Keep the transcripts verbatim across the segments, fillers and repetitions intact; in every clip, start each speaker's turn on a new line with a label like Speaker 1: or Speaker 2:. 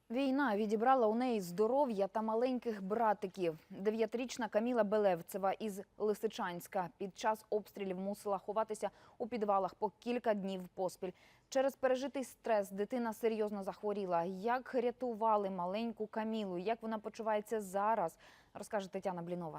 Speaker 1: Війна відібрала у неї здоров'я та маленьких братиків. Дев'ятирічна Каміла Белевцева із Лисичанська під час обстрілів мусила ховатися у підвалах по кілька днів поспіль. Через пережитий стрес дитина серйозно захворіла. Як рятували маленьку Камілу, як вона почувається зараз, розкаже Тетяна Блінова.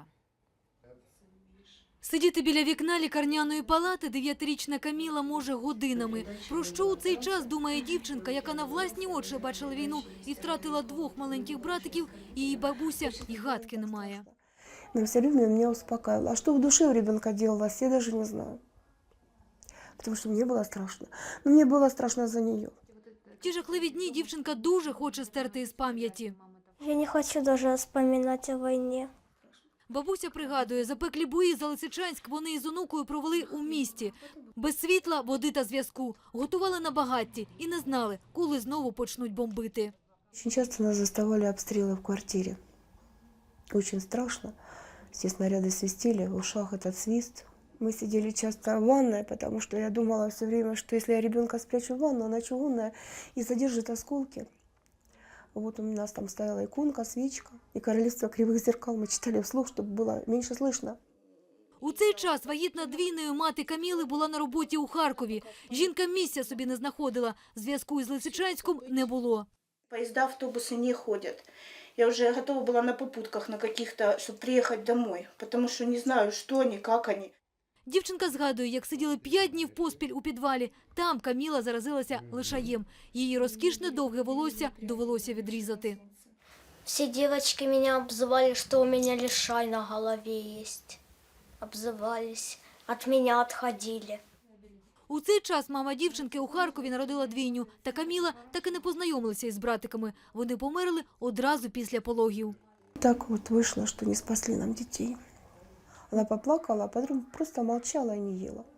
Speaker 2: Сидіти біля вікна лікарняної палати дев'ятирічна Каміла може годинами. Про що у цей час думає дівчинка, яка на власні очі бачила війну і втратила двох маленьких братиків, її бабуся і гадки не має.
Speaker 3: Но все время меня успокаивало. А что в душе у ребенка делалось, я даже не знаю. Потому что мне было страшно. Но мне было страшно за нее.
Speaker 2: Ті жахливі дні дівчинка дуже хоче стерти із пам'яті.
Speaker 4: Я не хочу даже вспоминать о войне.
Speaker 2: Бабуся пригадує, запеклі бої за Лисичанськ вони із онукою провели у місті. Без світла, води та зв'язку. Готували на багатті і не знали, коли знову почнуть бомбити.
Speaker 3: Очень часто нас заставали обстрелы в квартире. Очень страшно. Все снаряды свистели, в ушах этот свист. Мы сидели часто в ванной, потому что я думала все время, что если я ребенка спрячу в ванну, она чугунная и задержит осколки. Вот у нас там стояла иконка, свечка и «Королевство кривых зеркал». Мы читали вслух, чтобы было меньше слышно.
Speaker 2: У цей час вагітна двійною мати Каміли була на роботі у Харкові. Жінка місця собі не знаходила. Зв'язку із Лисичанськом не було.
Speaker 5: Поезда, автобусы не ходят. Я уже готова была на попутках на каких-то, чтобы приехать домой, потому что не знаю, что они, как они.
Speaker 2: Дівчинка згадує, як сиділи п'ять днів поспіль у підвалі. Там Каміла заразилася лишаєм. Її розкішне довге волосся довелося відрізати.
Speaker 4: Все девочки меня обзывали, что у меня лишай на голове есть. Обзывались, от меня отходили.
Speaker 2: У цей час мама дівчинки у Харкові народила двійню. Та Каміла так і не познайомилася із братиками. Вони померли одразу після пологів.
Speaker 3: Так вот вышло, что не спасли нам детей. Она поплакала, а потом просто молчала и не ела.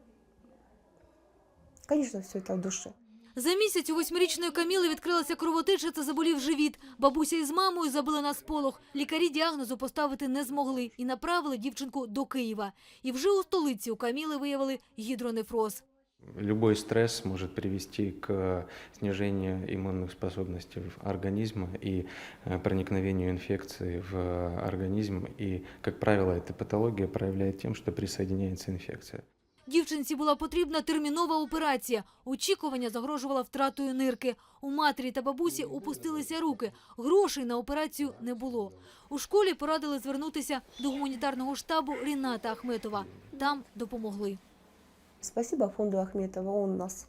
Speaker 3: Конечно, все это в душе.
Speaker 2: За місяць у восьмирічної Каміли відкрилася кровотеча та заболів живіт. Бабуся із мамою забили на сполох. Лікарі діагнозу поставити не змогли і направили дівчинку до Києва. І вже у столиці у Каміли виявили гідронефроз.
Speaker 6: Любой стресс может привести к снижению иммунных способностей организма и проникновению инфекции в организм. И, как правило, эта патология проявляет тем, что присоединяется инфекция.
Speaker 2: Дівчинці була потрібна термінова операція. Очікування загрожувало втратою нирки. У матері та бабусі опустилися руки. Грошей на операцію не було. У школі порадили звернутися до гуманітарного штабу Ріната Ахметова. Там допомогли.
Speaker 3: Спасибо фонду Ахметова, он нас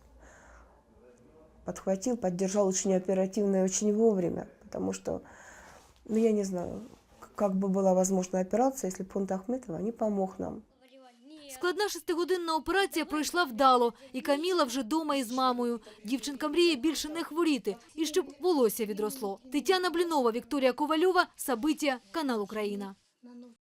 Speaker 3: подхватил, поддержал очень оперативно и очень вовремя, потому что, ну я не знаю, как бы была возможна операция, если бы фонд Ахметова не помог нам.
Speaker 2: Складна шестигодинна операція пройшла вдало, і Каміла вже дома із мамою. Дівчинка мріє більше не хворіти, і щоб волосся відросло. Тетяна Блінова, Вікторія Ковальова, Сабиття, канал Україна.